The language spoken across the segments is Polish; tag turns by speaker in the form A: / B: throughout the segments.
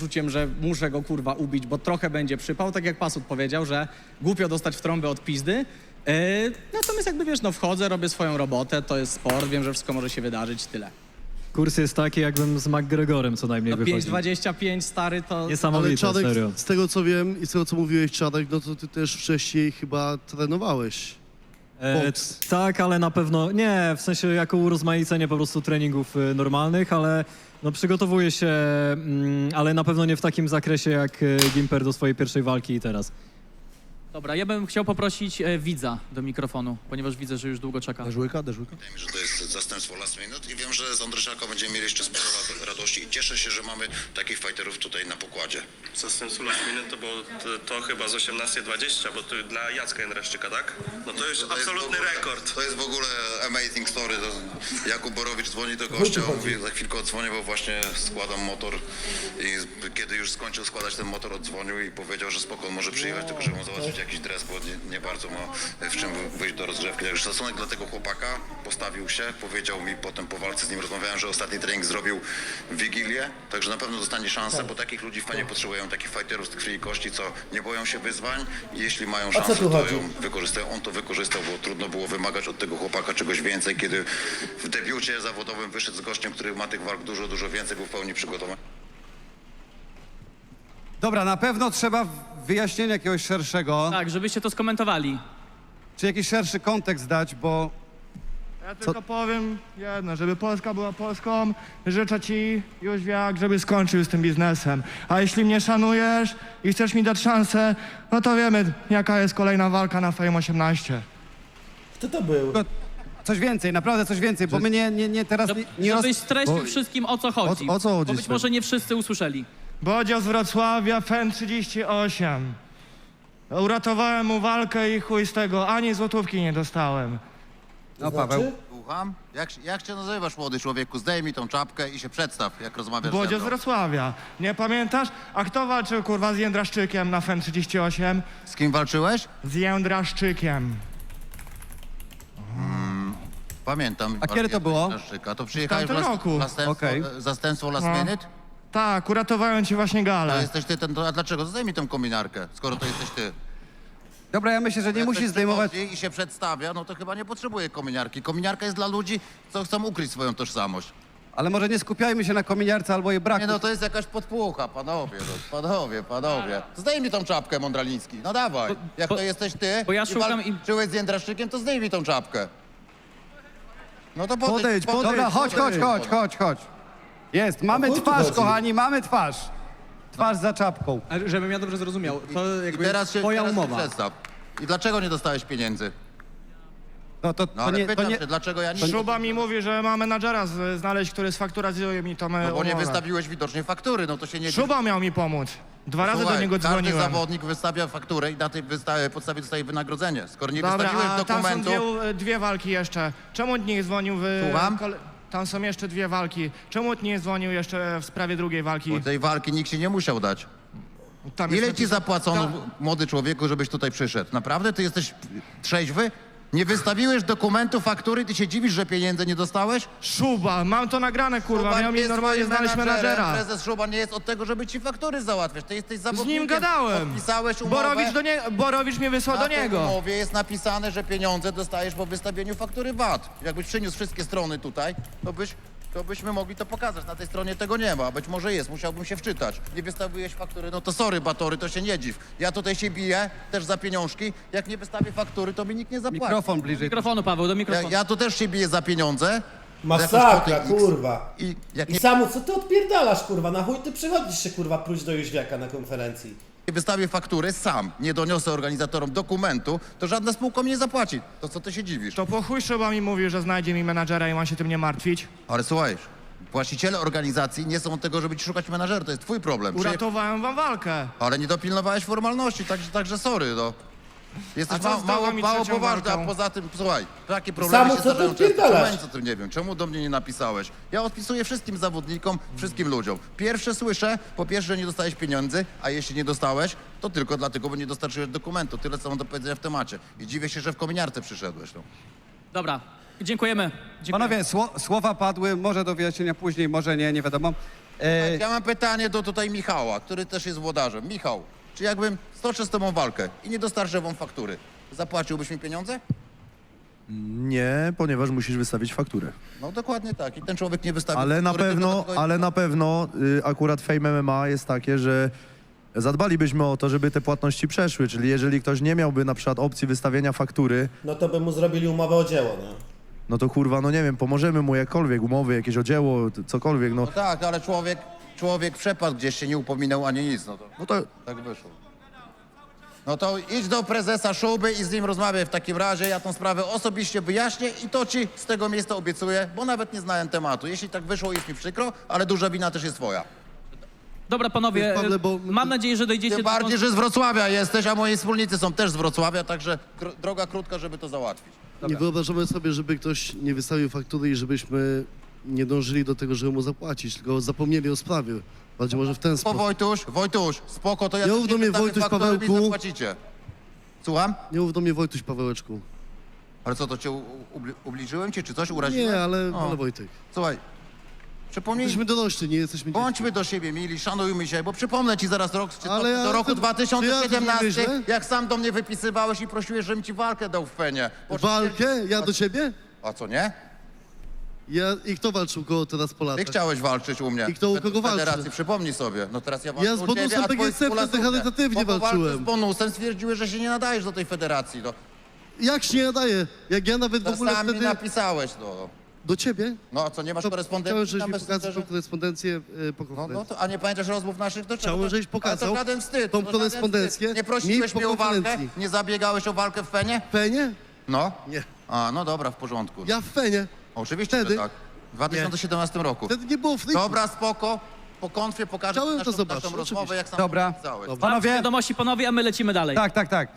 A: poczuciem, że muszę go kurwa ubić, bo trochę będzie przypał, tak jak Pasut powiedział, że głupio dostać w trąbę od pizdy. Natomiast jakby wiesz, no wchodzę, robię swoją robotę, to jest sport, wiem, że wszystko może się wydarzyć, tyle.
B: Kurs jest taki, jakbym z McGregorem co najmniej
A: No
B: wychodził.
A: 5,25 stary to...
B: Niesamowite,
C: Czadek,
B: serio.
C: z tego co wiem i z tego co mówiłeś, Czadek, no to ty też wcześniej chyba trenowałeś. Boks.
B: Tak, ale na pewno nie, w sensie jako urozmaicenie po prostu treningów normalnych, ale no przygotowuję się, ale na pewno nie w takim zakresie jak Gimper do swojej pierwszej walki i teraz.
D: Dobra, ja bym chciał poprosić widza do mikrofonu, ponieważ widzę, że już długo czeka.
C: Deżłyka?
E: Wydaje mi się, że to jest zastępstwo last minute i wiem, że z Andryszaka będziemy mieli jeszcze sporo radości i cieszę się, że mamy takich fighterów tutaj na pokładzie.
F: Zastępstwo last minute to było to chyba z 18:20, bo to dla Jacka Jędraszczyka, tak? No to już absolutny rekord.
E: To jest w ogóle amazing story. Jakub Borowicz dzwoni do gościa, mówi, za chwilkę odzwonię, bo właśnie składam motor i kiedy już skończył składać ten motor, odzwonił i powiedział, że spoko, on może przyjechać, tylko żeby mu załatwić jakiś dres, bo nie bardzo ma w czym wyjść do rozgrzewki. Także szacunek dla tego chłopaka, postawił się, powiedział mi potem po walce z nim rozmawiałem, że ostatni trening zrobił w Wigilię, także na pewno dostanie szansę, bo takich ludzi fajnie potrzebują, takich fighterów z krwi i kości, co nie boją się wyzwań i jeśli mają szansę, to ją wykorzystają. On to wykorzystał, bo trudno było wymagać od tego chłopaka czegoś więcej, kiedy w debiucie zawodowym wyszedł z gościem, który ma tych walk dużo więcej, był w pełni przygotowany.
G: Dobra, na pewno trzeba wyjaśnienia jakiegoś szerszego,
D: Tak, żebyście to skomentowali.
G: czy jakiś szerszy kontekst dać, bo
H: Ja tylko powiem jedno, żeby Polska była Polską, życzę ci, Jóźwiak, żeby skończył z tym biznesem. A jeśli mnie szanujesz i chcesz mi dać szansę, no to wiemy, jaka jest kolejna walka na Fame 18.
I: Kto to był?
G: coś więcej, naprawdę coś więcej, bo my nie teraz nie
D: Żebyś streścił wszystkim, o co chodzi.
C: o co chodzi,
D: Bo być
C: Sven?
D: może nie wszyscy usłyszeli.
H: Bodzio z Wrocławia, FEN 38. Uratowałem mu walkę i chuj z tego, ani złotówki nie dostałem.
G: No Paweł,
E: Słucham? Jak się nazywasz, młody człowieku? Zdejmij tą czapkę i się przedstaw, jak rozmawiasz ze
H: Bodzio z
E: mną.
H: Wrocławia. Nie pamiętasz? A kto walczył kurwa z Jędraszczykiem na FEN 38?
E: Z kim walczyłeś?
H: Z Jędraszczykiem.
E: Pamiętam.
G: A kiedy to było?
E: To przyjechałeś
H: W tamtym roku.
G: Okej.
E: Zastępstwo last
H: No.
E: minute?
H: Tak, uratowałem ci właśnie
E: To
H: galę.
E: jesteś ty, a dlaczego? Zdejmij tę kominiarkę, skoro to jesteś ty.
G: dobra, ja myślę, że nie
E: Jak
G: musisz
E: ktoś
G: zdejmować...
E: przychodzi i się przedstawia, no to chyba nie potrzebuje kominiarki. Kominiarka jest dla ludzi, co chcą ukryć swoją tożsamość.
G: Ale może nie skupiajmy się na kominiarce albo jej braku.
E: Nie no, to jest jakaś podpucha, panowie, no, panowie. Zdejmij tą czapkę, Mądraliński, no dawaj. Jak to jesteś ty
D: bo ja
E: i
D: szukam
E: walczyłeś z Jędraszczykiem, to zdejmij tą czapkę. No to
C: Podejdź,
G: Dobra, chodź. Jest, mamy
I: O chuj tu
G: twarz,
I: chodzi?
G: kochani, mamy twarz. Twarz za czapką.
A: Ale żebym ja dobrze zrozumiał, to
E: I
A: jakby
E: teraz się,
A: twoja
E: teraz się
A: umowa.
E: przedstaw. I dlaczego nie dostałeś pieniędzy?
G: No to
E: No ale
G: nie...
E: pytam się, dlaczego ja nie...
H: Szuba mi mówi, że ma menadżera znaleźć, który sfakturazuje mi tą
E: No bo nie
H: umowę.
E: wystawiłeś widocznie faktury, no to się nie...
H: Szuba miał mi pomóc. Dwa razy
E: Słuchaj,
H: do niego
E: każdy
H: dzwoniłem.
E: zawodnik wystawia fakturę i na tej podstawie dostaje wynagrodzenie. Skoro nie
H: Dobra,
E: wystawiłeś
H: a tam są
E: dokumentu...
H: dwie walki jeszcze. Czemu nie dzwonił w...
E: Słucham?
H: Tam są jeszcze dwie walki. Czemu nie dzwonił jeszcze w sprawie drugiej walki?
E: Bo tej walki nikt ci nie musiał dać.
H: Tam
E: Ile
H: jest
E: ci
H: napis-
E: zapłacono,
H: Ta-
E: młody człowieku, żebyś tutaj przyszedł? Naprawdę? Ty jesteś trzeźwy? Nie wystawiłeś dokumentu, faktury, ty się dziwisz, że pieniędzy nie dostałeś?
H: Szuba, mam to nagrane, kurwa.
E: Szuba
H: Miał mi
E: jest
H: normalnie
E: twoim
H: znaleźć menadżera.
E: Prezes Szuba nie jest od tego, żeby ci faktury załatwiać. Ty jesteś
H: Z
E: zawodnikiem.
H: nim gadałem.
E: Podpisałeś umowę.
H: Borowicz mnie wysłał
E: Na
H: do
E: tej
H: niego.
E: umowie jest napisane, że pieniądze dostajesz po wystawieniu faktury VAT. Jakbyś przyniósł wszystkie strony tutaj, to byśmy mogli to pokazać. Na tej stronie tego nie ma. Być może jest, musiałbym się wczytać. Nie wystawiłeś faktury, no to sorry, Batory, to się nie dziw. Ja tutaj się biję, też za pieniążki. Jak nie wystawię faktury, to mi nikt nie zapłaci.
G: Mikrofon bliżej.
D: Mikrofonu, Paweł, do mikrofonu.
E: Ja tu też się biję za pieniądze.
I: Masakra,
E: Jakoś po tych
I: kurwa.
E: I jak
I: I
E: nie
I: Samu, co ty odpierdalasz, kurwa? Na chuj ty przychodzisz się, kurwa, próć do Jóźwiaka na konferencji.
E: wystawię faktury sam, nie doniosę organizatorom dokumentu, to żadna spółka mi nie zapłaci. To co ty się dziwisz?
H: To po chuj Szuba mi mówił, że znajdzie mi menadżera i ma się tym nie martwić.
E: Ale słuchaj, właściciele organizacji nie są od tego, żeby ci szukać menadżera, to jest twój problem.
H: Uratowałem wam walkę.
E: Ale nie dopilnowałeś formalności, także sorry, no. Jesteś
H: A co z drugą i
E: mało
H: trzecią
E: poważny, a
H: walką?
E: poza tym, słuchaj, takie problemy
I: Samu,
E: się
I: co ty
E: zdarzają często.
I: odpierdalasz?
E: Czemu ja nic o tym nie wiem? Czemu do mnie nie napisałeś? Ja odpisuję wszystkim zawodnikom, wszystkim ludziom. Pierwsze słyszę, po pierwsze, że nie dostałeś pieniędzy, a jeśli nie dostałeś, to tylko dlatego, bo nie dostarczyłeś dokumentu. Tyle, co mam do powiedzenia w temacie. I dziwię się, że w kominiarce przyszedłeś, no.
D: Dobra, dziękujemy.
G: Panowie, słowa padły, może do wyjaśnienia później, może nie wiadomo.
E: Ja mam pytanie do tutaj Michała, który też jest włodarzem. Michał, czy jakbym stoczył z tobą walkę i nie dostarczę wam faktury, zapłaciłbyś mi pieniądze?
J: Nie, ponieważ musisz wystawić fakturę.
E: No dokładnie tak. I ten człowiek nie wystawił
J: Ale na
E: faktury,
J: pewno,
E: tylko dlatego-
J: ale na pewno akurat Fame MMA jest takie, że zadbalibyśmy o to, żeby te płatności przeszły, czyli jeżeli ktoś nie miałby na przykład opcji wystawienia faktury,
I: No to by mu zrobili umowę o dzieło, nie?
J: no to kurwa, no nie wiem, pomożemy mu jakkolwiek, umowy, jakieś o dzieło, cokolwiek, no.
E: No tak, ale człowiek przepadł gdzieś, się nie upominał ani nic,
J: No to
E: tak wyszło. No to idź do prezesa Szuby i z nim rozmawiaj w takim razie. Ja tą sprawę osobiście wyjaśnię i to ci z tego miejsca obiecuję, bo nawet nie znałem tematu. Jeśli tak wyszło, jest mi przykro, ale duża wina też jest twoja.
D: Dobra, panowie,
C: Pawle, bo-
D: mam nadzieję, że dojdziecie
E: Tym
D: do...
E: bardziej, że z Wrocławia jesteś, a moi wspólnicy są też z Wrocławia, także droga krótka, żeby to załatwić.
C: Nie wyobrażamy sobie, żeby ktoś nie wystawił faktury i żebyśmy nie dążyli do tego, żeby mu zapłacić, tylko zapomnieli o sprawie. Bardziej może w ten
E: Po
C: sposób.
E: Wojtuś, spoko, to ja
C: Nie
E: też
C: mów do mnie,
E: wystawię
C: Wojtuś,
E: faktury, mi
C: Pawełku.
E: zapłacicie. Słucham?
C: Nie mów do mnie Wojtuś, Pawełeczku.
E: Ale co, to cię ubliżyłem cię, czy coś uraziłem?
C: Nie, ale
E: O.
C: Wojtek.
E: Słuchaj, przypomnij,
C: Jesteśmy dorośli, nie jesteśmy dzieci.
E: bądźmy do siebie mili, szanujmy się, bo przypomnę ci zaraz rok, czy
C: Ale ja
E: do roku
C: to-
E: 2017,
C: czy ja to nie
E: jak sam do mnie wypisywałeś i prosiłeś, żebym ci walkę dał w Fenie.
C: Walkę? Ja do ciebie?
E: A co, nie?
C: I kto walczył koło teraz po
E: Ty
C: latach?
E: chciałeś walczyć u mnie.
C: I kto u kogo
E: w federacji,
C: walczy?
E: przypomnij sobie. No teraz ja walczę
C: Ja z
E: u ciebie,
C: bonusem
E: a twoi
C: PGC wtedy
E: współlatek
C: charytatywnie
E: po walce
C: walczyłem.
E: z bonusem stwierdziłeś, że się nie nadajesz do tej federacji. No.
C: Jak się nie nadaje? Jak ja nawet w
E: To
C: ogóle
E: sam mi
C: wtedy...
E: napisałeś, no.
C: Do ciebie?
E: No a co, nie masz
C: To
E: korespondencji
C: chciałem, żebyś
E: na
C: mi pokazał
E: Messengerze?
C: tą korespondencję po
E: No,
C: konferencji.
E: no to, a nie pamiętasz rozmów naszych? To
C: Chciałem,
E: czego?
C: żebyś
E: Ale
C: pokazał
E: to żaden wstyd.
C: tą
E: to żaden
C: korespondencję
E: wstyd. Nie
C: mi
E: prosiłeś
C: po
E: mnie o walkę?
C: konferencji.
E: Nie zabiegałeś o walkę w Fenie?
C: Fenie?
E: No.
C: Nie.
E: A, no dobra, w porządku.
C: Ja w Fenie.
E: Oczywiście,
C: Wtedy?
E: że tak. W 2017 roku.
C: Wtedy nie było friku.
E: Dobra, spoko. Po konfie pokażę
C: Chciałem
E: ci
C: to
E: naszą
C: zobaczyć,
E: rozmowę,
C: oczywiście.
E: jak sam
G: Dobra.
E: napisałeś.
C: Dobra.
D: Mam
G: Panowie,
D: wiadomości, panowie, a my lecimy dalej.
G: tak.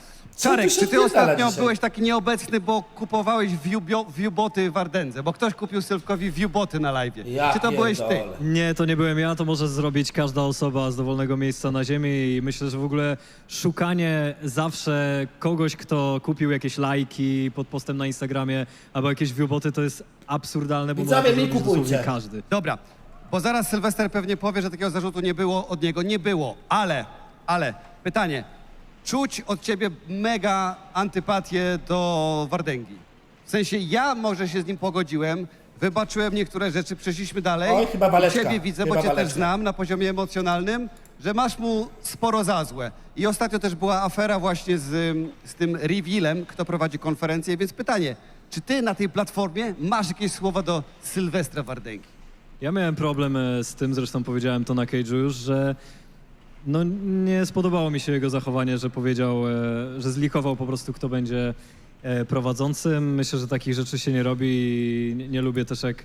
I: Co
G: Czarek,
I: tu się
G: czy ty
I: odpierdala
G: ostatnio
I: dzisiaj?
G: byłeś taki nieobecny, bo kupowałeś viewboty w Ardence? Bo ktoś kupił Sylwkowi viewboty na live.
I: Ja
G: Czy to byłeś ty?
I: pierdolę.
B: Nie, to nie byłem ja, to może zrobić każda osoba z dowolnego miejsca na ziemi i myślę, że w ogóle szukanie zawsze kogoś, kto kupił jakieś lajki pod postem na Instagramie albo jakieś viewboty, to jest absurdalne, bo
I: Widzowie,
B: może to
I: mi
B: zrobić
I: kupujcie.
B: dosłownie każdy.
G: Dobra, bo zaraz Sylwester pewnie powie, że takiego zarzutu nie było od niego. Nie było, ale pytanie. Czuć od ciebie mega antypatię do Wardęgi. W sensie ja może się z nim pogodziłem, wybaczyłem niektóre rzeczy, przeszliśmy dalej.
I: Oj, chyba waleczka.
G: Ciebie widzę, bo
I: Chyba
G: cię też
I: waleczka.
G: znam na poziomie emocjonalnym, że masz mu sporo za złe. I ostatnio też była afera właśnie z tym revealem, kto prowadzi konferencję, więc pytanie, czy ty na tej platformie masz jakieś słowa do Sylwestra Wardęgi?
B: Ja miałem problem z tym, zresztą powiedziałem to na Cage'u już, że no nie spodobało mi się jego zachowanie, że powiedział, że zlikował po prostu, kto będzie prowadzącym. Myślę, że takich rzeczy się nie robi i nie lubię też, jak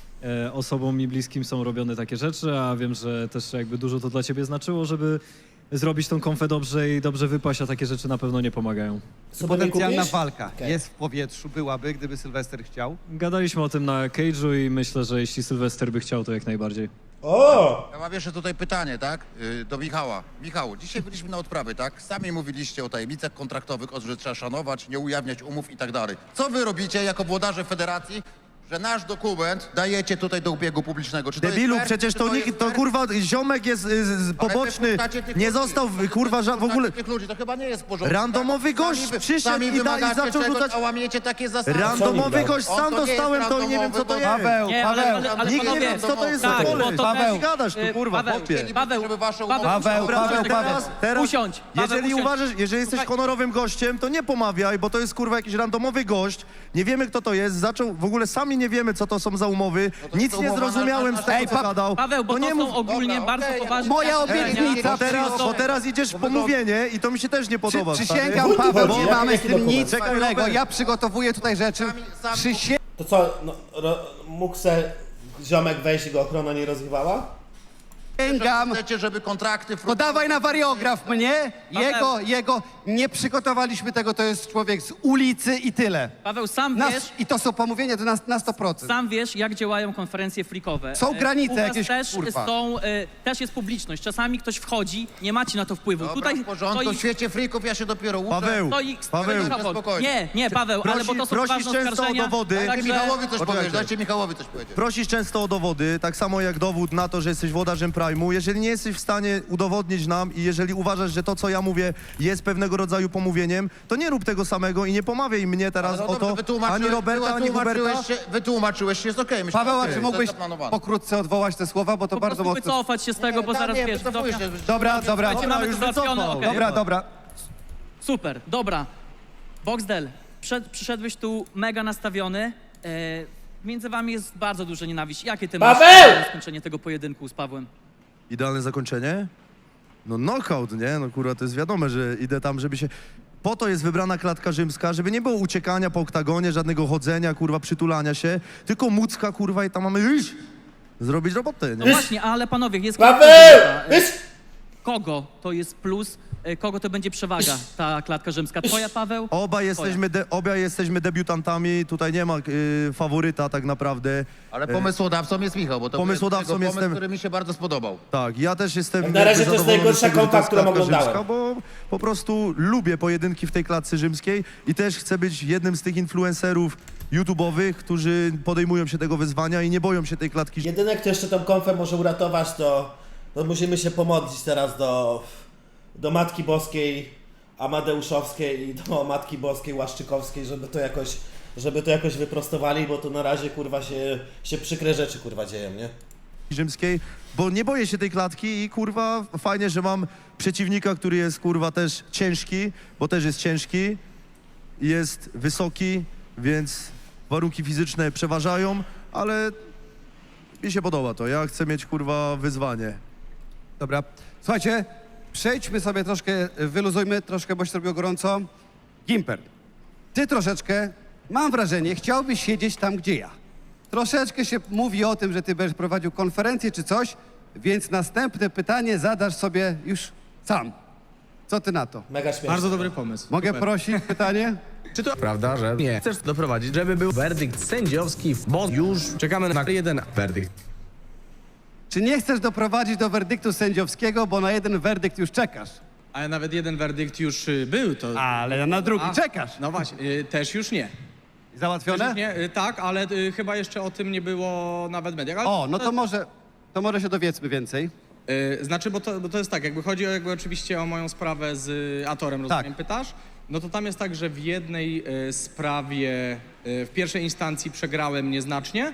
B: osobom mi bliskim są robione takie rzeczy, a wiem, że też jakby dużo to dla ciebie znaczyło, żeby zrobić tą konfę dobrze i dobrze wypaść, a takie rzeczy na pewno nie pomagają.
I: Sobotę
G: Potencjalna
I: kupisz?
G: walka
I: Okej.
G: jest w powietrzu, byłaby, gdyby Sylwester chciał.
B: Gadaliśmy o tym na Cage'u i myślę, że jeśli Sylwester by chciał, to jak najbardziej.
I: O!
E: Ja mam jeszcze tutaj pytanie, tak? Do Michała. Michał, dzisiaj byliśmy na odprawy, tak? Sami mówiliście o tajemnicach kontraktowych, o tym, że trzeba szanować, nie ujawniać umów i tak dalej. Co wy robicie jako włodarze federacji, że nasz dokument dajecie tutaj do ubiegu publicznego? Czy to jest
J: debilu,
E: fair?
J: przecież
E: Czy
J: to
E: jest
J: nikt, to
E: fair?
J: kurwa ziomek jest poboczny,
E: wypuszczacie tych
J: nie
E: ludzi.
J: został kurwa w ogóle...
E: Wypuszczacie tych ludzi, to chyba nie jest w porządku.
J: Randomowy
E: tak?
J: gość przyszedł i
E: wymagacie
J: zaczął
E: czegoś,
J: rzucać-
E: a łamiecie takie zasady.
J: Randomowy gość,
E: On
J: sam
E: to nie jest
J: dostałem, to i nie wiem co to jest.
G: Paweł,
D: Nie,
G: Paweł,
J: Nikt nie
D: panowie,
J: wie, co to jest
D: tak,
J: za
D: bo
J: koleś.
D: to
G: Paweł,
D: też,
J: gadasz tu, kurwa,
D: Paweł,
J: chłopie.
D: Paweł,
E: Żeby wasze
D: Paweł,
E: umowy-
G: Paweł,
J: Dobra,
G: Paweł,
J: teraz- teraz-
D: usiądź. Paweł,
J: Jeżeli
D: usiądź.
J: uważasz, jeżeli jesteś
D: Słuchaj,
J: honorowym gościem, to nie pomawiaj, bo to jest kurwa jakiś randomowy gość, nie wiemy kto to jest, zaczął, w ogóle sami nie wiemy co to są za umowy,
E: to
J: nic
E: jest
J: nie
E: umowa
J: zrozumiałem
E: na-
J: z tego co gadał.
D: Paweł, bo to
J: nie
D: są
J: mów,
D: ogólnie
E: Dobra,
D: bardzo
E: okej,
D: poważne...
I: Moja
D: zastrzeżenia.
I: obietnica,
J: bo teraz idziesz w pomówienie i to mi się też nie podoba.
G: przysięgam,
I: O co
G: Paweł,
I: chodzi?
G: nie
I: Jaki
G: mamy z tym
I: dokument?
G: nic
J: Czekaj,
G: wspólnego.
J: Robert.
G: Ja przygotowuję tutaj rzeczy.
E: Sami-
I: To co, no, mógł se ziomek wejść i go ochrona nie rozrywała?
G: Sięgam.
E: Chcecie, żeby kontrakty...
G: Podawaj na wariograf mnie, jego, nie przygotowaliśmy tego, to jest człowiek z ulicy i tyle.
D: Paweł, sam
G: Nas,
D: wiesz,
G: I to są pomówienia to na 100%.
D: sam wiesz, jak działają konferencje freakowe.
G: Są granice
D: U was
G: jakieś,
D: też
G: kurwa.
D: też jest publiczność. Czasami ktoś wchodzi, nie macie na to wpływu.
E: Dobra,
D: Tutaj
E: w porządku, w świecie freaków ja się dopiero uczę.
J: Paweł,
D: Paweł.
E: spokojnie.
D: Nie, Paweł, ale bo to są
J: prosisz
D: ważne
J: często o
D: oskarżenia.
J: dowody.
E: Dajcie
D: Także-
E: Michałowi coś
J: Poczekajcie.
E: powiedzieć, dajcie Michałowi coś powiedzieć.
J: Prosisz często o dowody, tak samo jak dowód na to, że jesteś włodarzem Prime'u. Jeżeli nie jesteś w stanie udowodnić nam i jeżeli uważasz, że to, co ja mówię, jest pewnego rodzaju pomówieniem, to nie rób tego samego i nie pomawiaj mnie teraz
E: No
J: o to, ani Roberta, ani Huberta.
E: Wytłumaczyłeś się, jest okej. myślę,
G: Paweł, a
E: okej,
G: czy
E: to
G: mógłbyś
E: jest zaplanowane.
G: pokrótce odwołać te słowa, bo to
D: Po
G: bardzo
D: prostu
G: mocno...
D: wycofać się z tego, bo zaraz wiesz,
E: wycofuję się.
G: Dobra.
D: Słuchajcie, mamy to załatwione,
J: wycofał.
D: okej.
G: Dobra.
D: Super, dobra. Boxdel, przyszedłeś tu mega nastawiony. Między wami jest bardzo duża nienawiść. Jakie ty masz
I: Paweł!
D: skończenie tego pojedynku z Pawłem?
J: Idealne zakończenie? No knockout, nie? No kurwa, to jest wiadome, że idę tam, żeby się... Po to jest wybrana klatka rzymska, żeby nie było uciekania po oktagonie, żadnego chodzenia, kurwa, przytulania się, tylko mucka, kurwa, i tam mamy iść, zrobić robotę,
D: No
J: nie?
D: właśnie, ale panowie, jest
I: Paweł!
D: kogo to jest plus, kogo to będzie przewaga, ta klatka rzymska? Twoja, Paweł?
J: Obaj jesteśmy debiutantami, tutaj nie ma faworyta tak naprawdę.
E: Ale pomysłodawcą jest Michał, bo to
J: Pomysłodawcą
E: był jego pomysł,
J: jestem-
E: który mi się bardzo spodobał.
J: Tak, ja też jestem
I: Jak na razie
J: jakby
I: to jest
J: zadowolony
I: najgorsza
J: z tego, że to jest
I: konfa, którą
J: klatka
I: oglądałem.
J: rzymska, bo po prostu lubię pojedynki w tej klatce rzymskiej i też chcę być jednym z tych influencerów YouTube'owych, którzy podejmują się tego wyzwania i nie boją się tej klatki
I: Jedyne, kto jeszcze tą konfę może uratować, to musimy się pomodlić teraz do Matki Boskiej Amadeuszowskiej i do Matki Boskiej Łaszczykowskiej, żeby to jakoś wyprostowali, bo tu na razie kurwa się przykre rzeczy kurwa dzieją, nie?
J: rzymskiej, bo nie boję się tej klatki i kurwa fajnie, że mam przeciwnika, który jest kurwa też ciężki, bo też jest ciężki, jest wysoki, więc warunki fizyczne przeważają, ale mi się podoba to. Ja chcę mieć kurwa wyzwanie.
G: Dobra. Słuchajcie, przejdźmy sobie troszkę, wyluzujmy troszkę, bo się zrobiło gorąco. Gimper, ty troszeczkę, mam wrażenie, chciałbyś siedzieć tam, gdzie ja. Troszeczkę się mówi o tym, że ty będziesz prowadził konferencję czy coś, więc następne pytanie zadasz sobie już sam. Co ty na to?
I: Mega śmieszne.
A: Bardzo dobry pomysł.
G: Mogę
A: Super.
G: prosić pytanie?
K: Czy to prawda, że nie chcesz doprowadzić, żeby był werdykt sędziowski, bo już czekamy na jeden werdykt.
G: Czy nie chcesz doprowadzić do werdyktu sędziowskiego, bo na jeden werdykt już czekasz?
A: Ale nawet jeden werdykt już był, to...
G: Ale na drugi czekasz.
A: No właśnie, też już nie. Też
G: Załatwione?
A: już nie, tak, ale chyba jeszcze o tym nie było nawet w mediach. Ale,
G: O, no to może się dowiedzmy więcej.
A: Znaczy, bo to jest tak, jakby chodzi oczywiście o moją sprawę z Atorem, rozumiem,
G: Tak.
A: pytasz? No to tam jest tak, że w jednej sprawie w pierwszej instancji przegrałem nieznacznie,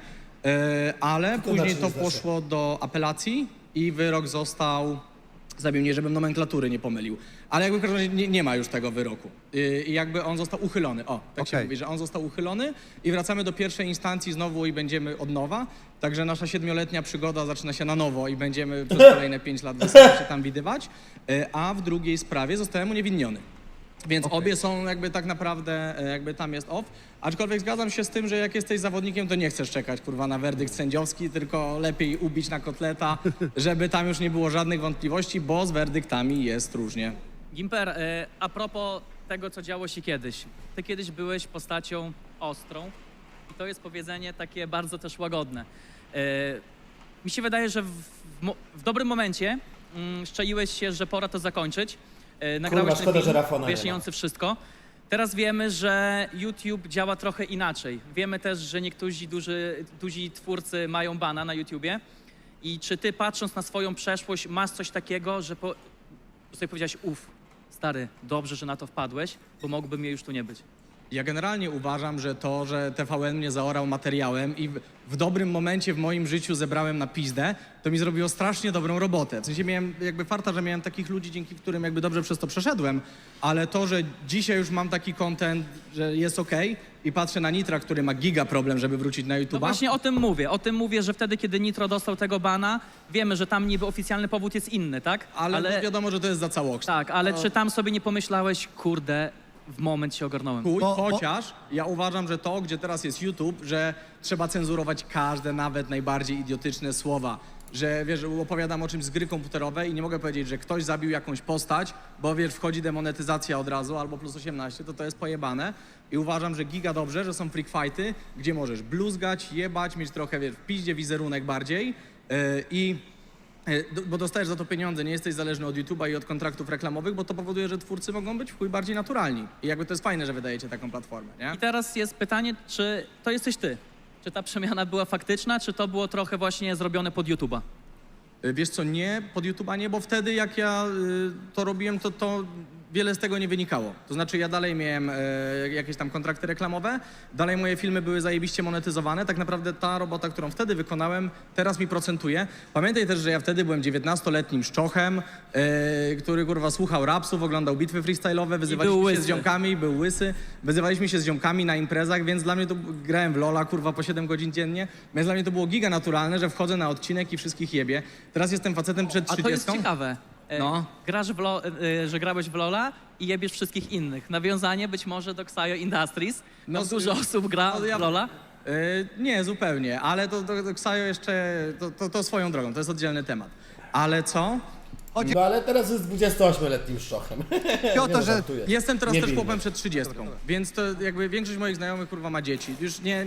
A: ale
I: Tylko
A: później
I: znacznie
A: to poszło do apelacji i wyrok został, zabił mnie, żebym nomenklatury nie pomylił. Ale jakby w każdym razie nie ma już tego wyroku. I jakby on został uchylony. O, tak się
G: Okej.
A: mówi, że on został uchylony i wracamy do pierwszej instancji znowu i będziemy od nowa. Także nasza 7-letnia przygoda zaczyna się na nowo i będziemy przez kolejne 5 lat wesoło się tam widywać. A w drugiej sprawie zostałem uniewinniony. Więc obie są jakby tak naprawdę, jakby tam jest off. Aczkolwiek zgadzam się z tym, że jak jesteś zawodnikiem, to nie chcesz czekać, kurwa, na werdykt sędziowski, tylko lepiej ubić na kotleta, żeby tam już nie było żadnych wątpliwości, bo z werdyktami jest różnie.
D: Gimper, a propos tego, co działo się kiedyś. Ty kiedyś byłeś postacią ostrą i to jest powiedzenie takie bardzo też łagodne. Mi się wydaje, że w dobrym momencie szczeliłeś się, że pora to zakończyć. Nagrałeś
I: szkoda,
D: ten
I: że Rafona nie ma.
D: wyjaśniający wszystko. Teraz wiemy, że YouTube działa trochę inaczej. Wiemy też, że niektórzy duzi twórcy mają bana na YouTubie. I czy ty, patrząc na swoją przeszłość, masz coś takiego, że sobie powiedziałeś, stary, dobrze, że na to wpadłeś, bo mógłby mnie już tu nie być.
A: Ja generalnie uważam, że to, że TVN mnie zaorał materiałem i w dobrym momencie w moim życiu zebrałem na pizdę, to mi zrobiło strasznie dobrą robotę. W sensie miałem jakby farta, że miałem takich ludzi, dzięki którym jakby dobrze przez to przeszedłem, ale to, że dzisiaj już mam taki content, że jest okej i patrzę na Nitra, który ma giga problem, żeby wrócić na YouTube'a.
D: No właśnie o tym mówię, że wtedy, kiedy Nitro dostał tego bana, wiemy, że tam niby oficjalny powód jest inny, tak?
A: Ale no wiadomo, że to jest za całokształt.
D: Tak, ale czy tam sobie nie pomyślałeś, kurde, w moment się ogarnąłem.
A: Chociaż ja uważam, że to, gdzie teraz jest YouTube, że trzeba cenzurować każde, nawet najbardziej idiotyczne słowa. że wiesz, opowiadam o czymś z gry komputerowej i nie mogę powiedzieć, że ktoś zabił jakąś postać, bo wiesz, wchodzi demonetyzacja od razu albo plus 18, to jest pojebane. I uważam, że giga dobrze, że są freak fighty, gdzie możesz bluzgać, jebać, mieć trochę, wiesz, w piździe wizerunek bardziej bo dostajesz za to pieniądze, nie jesteś zależny od YouTube'a i od kontraktów reklamowych, bo to powoduje, że twórcy mogą być w chuj bardziej naturalni. I jakby to jest fajne, że wydajecie taką platformę, nie?
D: I teraz jest pytanie, czy to jesteś ty? Czy ta przemiana była faktyczna, czy to było trochę właśnie zrobione pod YouTube'a?
A: Wiesz co, nie, pod YouTube'a nie, bo wtedy jak ja to robiłem, to wiele z tego nie wynikało. To znaczy ja dalej miałem jakieś tam kontrakty reklamowe, dalej moje filmy były zajebiście monetyzowane. Tak naprawdę ta robota, którą wtedy wykonałem, teraz mi procentuje. Pamiętaj też, że ja wtedy byłem 19-letnim szczochem, który kurwa słuchał rapsów, oglądał bitwy freestyle'owe, wyzywaliśmy się z ziomkami, był łysy, wyzywaliśmy się z ziomkami na imprezach, więc dla mnie to grałem w LoL'a kurwa po 7 godzin dziennie, więc dla mnie to było giga naturalne, że wchodzę na odcinek i wszystkich jebie. Teraz jestem facetem przed 30.
D: A to jest ciekawe.
A: No.
D: Grasz że grałeś w LoL'a i jebiesz wszystkich innych. Nawiązanie być może do Xayo Industries. No, dużo osób gra w LoL'a.
A: Nie, zupełnie, ale to Xayo jeszcze, to swoją drogą, to jest oddzielny temat. Ale co?
I: No ale teraz jest 28-letnim szczochem.
G: Chodzi o to, że
A: Jestem teraz
I: Nie
A: też
I: wilny.
A: chłopem przed 30, więc to jakby większość moich znajomych kurwa ma dzieci. Już nie